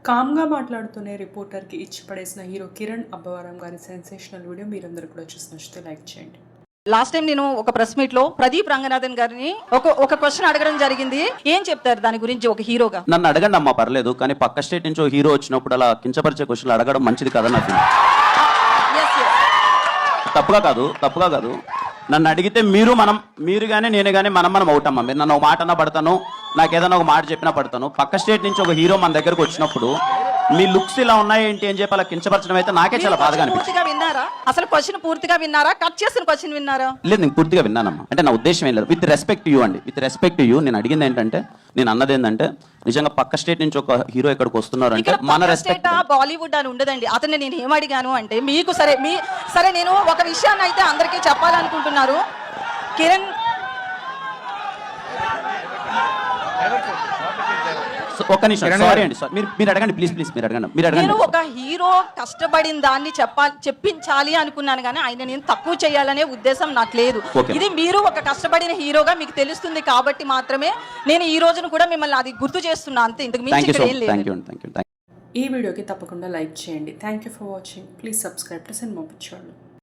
కామ్గా మాట్లాడుతూనే రిపోర్టర్కి ఇచ్చి పడేసిన హీరో కిరణ్ అబ్బవరం గారి సెన్సేషనల్ వీడియో మీరందరూ కూడా చూసి నచ్చితే లైక్ చేయండి. లాస్ట్ టైం నేను ఒక ప్రెస్ మీట్ లో ప్రదీప్ రంగనాథన్ గారిని ఒక క్వశ్చన్ అడగడం జరిగింది. ఏం చెప్తారు దాని గురించి ఒక హీరోగా? నన్ను అడగండి అమ్మా, పర్లేదు. కానీ పక్క స్టేట్ నుంచి హీరో వచ్చినప్పుడు అలా కించపరిచే క్వశ్చన్లు అడగడం మంచిది కదా. నాకు తప్పుగా కాదు. నన్ను అడిగితే మీరు కానీ నేను కానీ మనం అవుతామా. మీరు నన్ను ఒక మాట అన్నా పడతాను, నాకు ఏదైనా ఒక మాట చెప్పినా పడతాను. పక్క స్టేట్ నుంచి ఒక హీరో మన దగ్గరకు వచ్చినప్పుడు మీ లుక్స్ ఇలా ఉన్నాయేంటి అని చెప్పి అలా కించపరచడం అయితే నాకే చాలా బాధగా అనిపించింది. అసలు క్వశ్చన్ పూర్తిగా విన్నారా? కట్ చేసిన క్వశ్చన్ విన్నారా? లేదు, నేను పూర్తిగా విన్నానమ్మా. అంటే నా ఉద్దేశం ఏం లేదు. విత్ రెస్పెక్ట్ యూ అండి, విత్ రెస్పెక్ట్ యూ. నేను అడిగింది ఏంటంటే, నేను అన్నది ఏంటంటే, నిజంగా పక్క స్టేట్ నుంచి ఒక హీరో ఇక్కడికి వస్తున్నారు అంటే మన రెస్పెక్ట్. బాలీవుడ్ అని ఉండదండి. అతన్ని నేను ఏమడిగాను అంటే, మీకు సరే నేను ఒక విషయాన్ని అయితే అందరికీ చెప్పాలనుకుంటున్నారు. కిరణ్ ఒక్క నిమిషం, సారీ అండి, మీరు అడగండి ప్లీజ్. మీరు అడగండి. నేను ఒక హీరో కష్టపడిన దాన్ని చెప్పించాలి అనుకున్నాను, కానీ ఆయన నేను తక్కువ చేయాలనే ఉద్దేశం నాకు లేదు. ఇది మీరు ఒక కష్టపడిన హీరోగా మీకు తెలుస్తుంది కాబట్టి మాత్రమే నేను ఈ రోజును కూడా మిమ్మల్ని అది గుర్తు చేస్తున్నా, అంతే. ఇంతకు మించి ఇక్కడ ఏం లేదు. ఈ వీడియోకి తప్పకుండా లైక్ చేయండి. Thank you for watching. Please subscribe to cinema పిచ్చోళ్ళు.